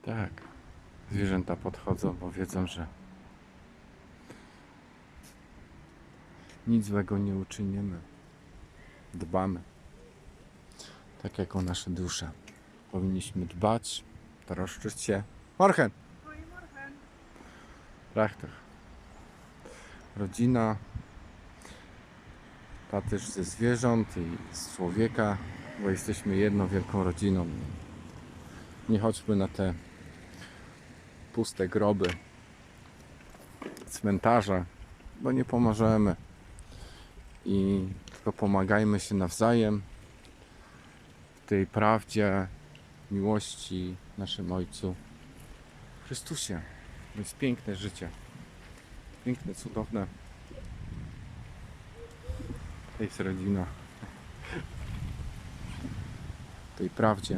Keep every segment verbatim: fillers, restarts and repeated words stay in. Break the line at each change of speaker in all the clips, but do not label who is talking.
Tak, zwierzęta podchodzą, bo wiedzą, że nic złego nie uczynimy. Dbamy. Tak jak o nasze dusze. Powinniśmy dbać, troszczyć się. Morgen! Prachtig. Rodzina, ta też ze zwierząt i z człowieka, bo jesteśmy jedną wielką rodziną. Nie chodźmy na te puste groby, cmentarze, bo nie pomożemy. I tylko pomagajmy się nawzajem w tej prawdzie, miłości naszym Ojcu Chrystusie. To jest piękne życie. Piękne, cudowne. To jest rodzina. W tej prawdzie.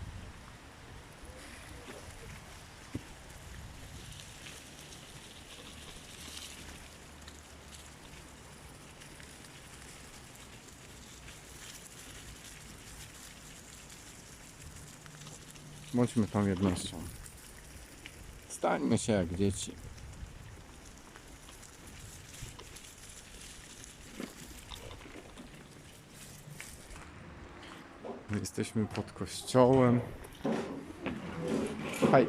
Bądźmy tą jednością. Stańmy się jak dzieci. My jesteśmy pod kościołem. Hej.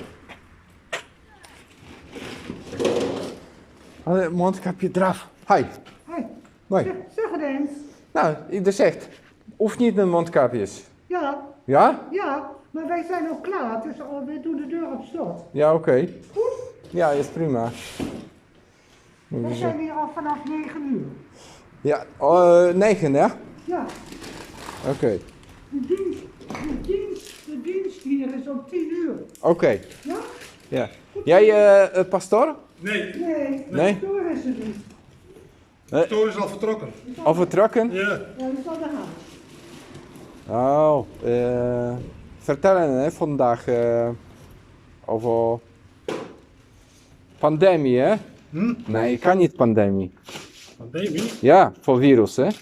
Ale mondkapje draf. Hej.
Hoi,
Mooi.
zeg, zeg het eens.
Nou, je zegt, hoeft niet een mondkapjes.
Ja,
Ja?
ja, maar wij zijn ook klaar, dus al- we doen de deur op slot.
Ja, oké. Okay.
Goed?
Ja, is prima.
We zijn hier al vanaf negen uur.
Ja, uh, negen, ja?
Ja,
Oké. Okay.
de dienst, de dienst, de dienst hier is om tien uur.
Oké. Okay.
Ja?
Ja. Jij, uh, uh, pastoor?
Nee,
Nee,
Nee?
de deur is er niet.
de toren is al vertrokken.
Al vertrokken?
Ja.
Ja, dat zal de gaan.
Oh, uh, vertellen hè, vandaag uh, over pandemie, hè?
Hm?
Nee, ik kan niet pandemie.
Pandemie?
Ja, voor virus, hè?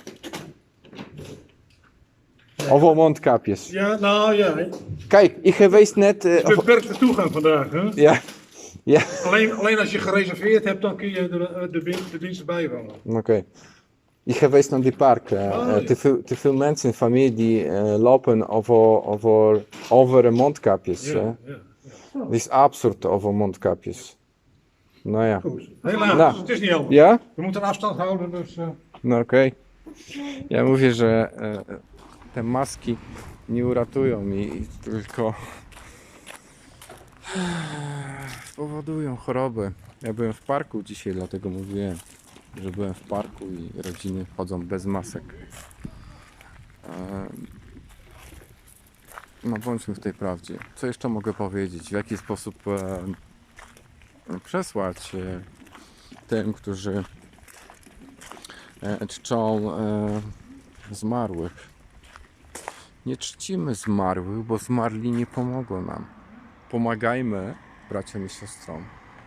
Over mondkapjes.
Ja, nou ja. Het
Kijk, ik geweest net... Uh,
is beperkte toegang vandaag. Hè?
ja, ja.
Alleen, alleen als je gereserveerd hebt, dan kun je de, de, de, de diensten bijwonen.
Oké. Okay. Ik geweest naar die park. Uh,
Oh,
uh,
ja.
te, veel, te veel mensen in familie die uh, lopen over, over, over mondkapjes.
Ja,
Hè?
ja, ja.
Het is absurd over mondkapjes. Nou ja.
Goed. Helaas,
Nou.
het is niet anders.
Ja?
We moeten afstand houden, dus... Uh...
No okej. Okay. Ja mówię, że e, te maski nie uratują mi, tylko spowodują choroby. Ja byłem w parku dzisiaj, dlatego mówiłem, że byłem w parku i rodziny chodzą bez masek. E, no bądźmy w tej prawdzie. Co jeszcze mogę powiedzieć? W jaki sposób e, przesłać e, tym, którzy czczą e, zmarłych. Nie czcimy zmarłych, bo zmarli nie pomogą nam. Pomagajmy braciom i siostrom,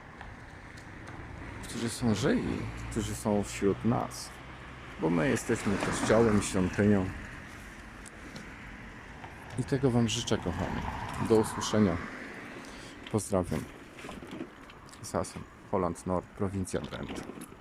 którzy są żywi, którzy są wśród nas, bo my jesteśmy kościołem, świątynią. I tego Wam życzę, kochani. Do usłyszenia. Pozdrawiam. Sasem, Holland Nord, prowincja Drenthe.